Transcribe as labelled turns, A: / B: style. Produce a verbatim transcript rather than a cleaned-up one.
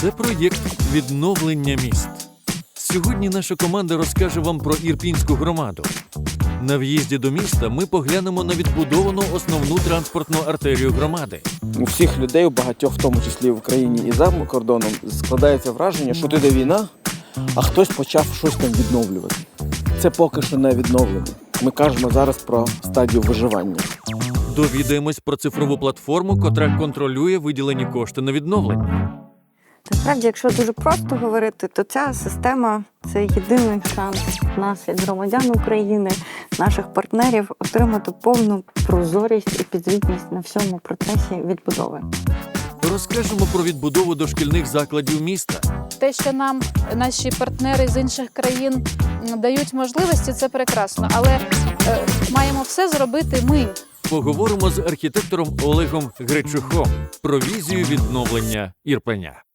A: Це проєкт «Відновлення міст». Сьогодні наша команда розкаже вам про Ірпінську громаду. На в'їзді до міста ми поглянемо на відбудовану основну транспортну артерію громади.
B: У всіх людей, у багатьох, в тому числі в Україні і за кордоном, складається враження, що тут іде війна, а хтось почав щось там відновлювати. Це поки що не відновлено. Ми кажемо зараз про стадію виживання.
A: Довідаємось про цифрову платформу, котра контролює виділені кошти на відновлення.
C: Насправді, якщо дуже просто говорити, то ця система – це єдиний шанс нас, як громадян України, наших партнерів, отримати повну прозорість і підзвітність на всьому процесі відбудови.
A: Розкажемо про відбудову дошкільних закладів міста.
D: Те, що нам наші партнери з інших країн дають можливості, це прекрасно. Але е, маємо все зробити ми.
A: Поговоримо з архітектором Олегом Гречухом про візію відновлення Ірпеня.